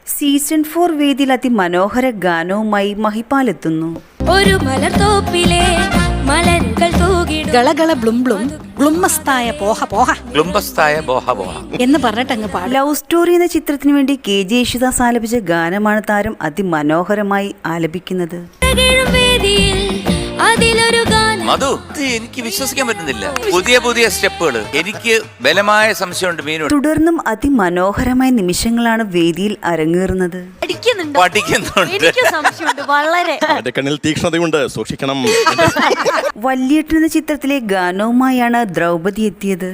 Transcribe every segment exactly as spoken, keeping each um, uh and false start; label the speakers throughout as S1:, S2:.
S1: Season four വേദിയിൽ അതിമനോഹര ഗാനവുമായി മഹിപാലെത്തുന്നു.
S2: ഒരു മലർത്തോപ്പിലെ മലരുകൾ തൂകിടും
S3: ഗളഗള ബ്ലും ബ്ലും ഗ്ലുമ്മസ്തായ പോഹ പോഹ
S4: ഗ്ലുംബസ്തായ ബോഹ ബോഹ
S3: എന്ന് പറഞ്ഞിട്ടങ്ങ് പാടും.
S1: ലവ് സ്റ്റോറി എന്ന ചിത്രത്തിനു വേണ്ടി കെ ജെ യേശുദാസ് ആലപിച്ച ഗാനമാണ് താരം അതിമനോഹരമായി ആലപിക്കുന്നത്.
S2: വേദിയിൽ അതിലൊരു ഗാനം
S4: മധു, ഇത് എനിക്ക് വിശ്വസിക്കാൻ പറ്റുന്നില്ല. പുതിയ പുതിയ സ്റ്റെപ്പുകൾ. എനിക്ക് ബലമായ സംശയമുണ്ട് മീനോട്.
S1: തുടർന്നും അതിമനോഹരമായ നിമിഷങ്ങളാണ് വേദിയിൽ അരങ്ങേറുന്നത്.
S4: പഠിക്കുന്നുണ്ട്.
S2: വളരെ
S5: എന്റെ കണ്ണിൽ തീക്ഷ്ണതയുണ്ട്, സൂക്ഷിക്കണം.
S1: വല്യേട്ടൻ എന്ന ചിത്രത്തിലെ ഗാനവുമായാണ് ദ്രൗപദി എത്തിയത്.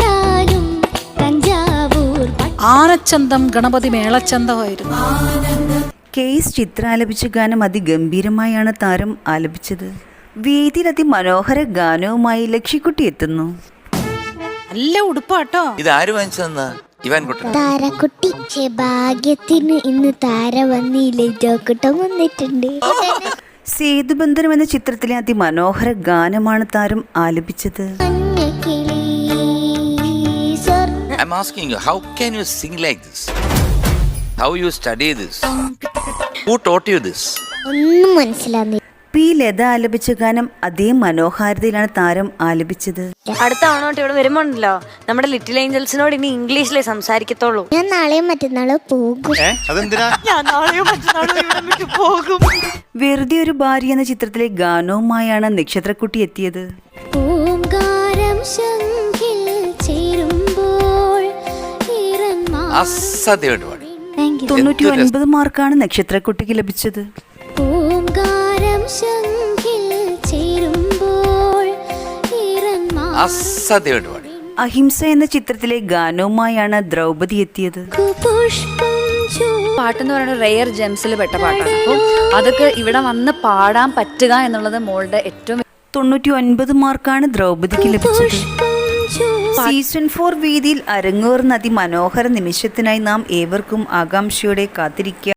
S3: ആനച്ചന്തം ഗണപതി മേളച്ചന്തമായിരുന്നു.
S1: കെ എസ് ചിത്ര ആലപിച്ച ഗാനം അതിഗംഭീരമായാണ് താരം ആലപിച്ചത്. വേദിയിൽ അതിമനോഹര ഗാനവുമായി ലക്ഷ്യക്കുട്ടി എത്തുന്നു.
S3: നല്ല ഉടുപ്പാട്ടോ.
S4: ഇത് ആര് വാങ്ങിച്ചതെന്ന്? ഇവാൻ കുട്ടൻ.
S6: താരക്കുട്ടി. ഭാഗ്യത്തിന് ഇന്ന് താര വന്നില്ലേ, ജോക്കുട്ടം വന്നിട്ടുണ്ട്.
S1: സേതുബന്ധനം എന്ന ചിത്രത്തിലെ അതിമനോഹര ഗാനമാണ് താരം ആലപിച്ചത്.
S4: I'm asking you, how can you sing like this? How you study this? Who taught you this?
S6: ഒന്നും മനസ്സിലാവുന്നില്ല.
S1: പി ലത ആലപിച്ച ഗാനം അതേ മനോഹാരിതയിലാണ് താരം ആലപിച്ചത്.
S7: അടുത്ത തവണ ഇവിടെ വരുമ്പോണ്ടല്ലോ നമ്മുടെ ലിറ്റിൽ ഏഞ്ചൽസിനോട് ഇനി ഇംഗ്ലീഷിലേ സംസാരിക്കത്തുള്ളൂ.
S6: ഞാൻ നാളെയും മറ്റന്നാളോ പോകും.
S1: വെറുതെ ഒരു ഭാര്യ എന്ന ചിത്രത്തിലെ ഗാനവുമായാണ് നക്ഷത്രക്കുട്ടി എത്തിയത്.
S6: ഓംകാരം ശംഖിൽ ചേരുമ്പോൾ
S4: അസാധ്യമായിട്ട് പാടി.
S1: തൊണ്ണൂറ്റി ഒൻപത് മാർക്കാണ് നക്ഷത്രക്കുട്ടിക്ക് ലഭിച്ചത്.
S6: ഓംകാരം ശംഖിൽ ചേരുമ്പോൾ
S4: അസാധ്യമായിട്ട് പാടി.
S1: അഹിംസ എന്ന ചിത്രത്തിലെ ഗാനവുമായാണ് ദ്രൗപദി എത്തിയത്.
S8: പാട്ടെന്ന് പറയുന്നത് റെയർ ജെംസിൽ പെട്ട പാട്ടാണ്. അപ്പോൾ അതൊക്കെ ഇവിടെ വന്ന് പാടാൻ പറ്റുക എന്നുള്ളത് മോളുടെ ഏറ്റവും.
S1: തൊണ്ണൂറ്റി ഒൻപത് മാർക്കാണ് ദ്രൗപദിക്ക് ലഭിച്ചത്. സീസൺ ഫോർ വേദിയിൽ അരങ്ങേറുന്ന അതിമനോഹര നിമിഷത്തിനായി നാം ഏവർക്കും ആകാംക്ഷയോടെ കാത്തിരിക്കുക.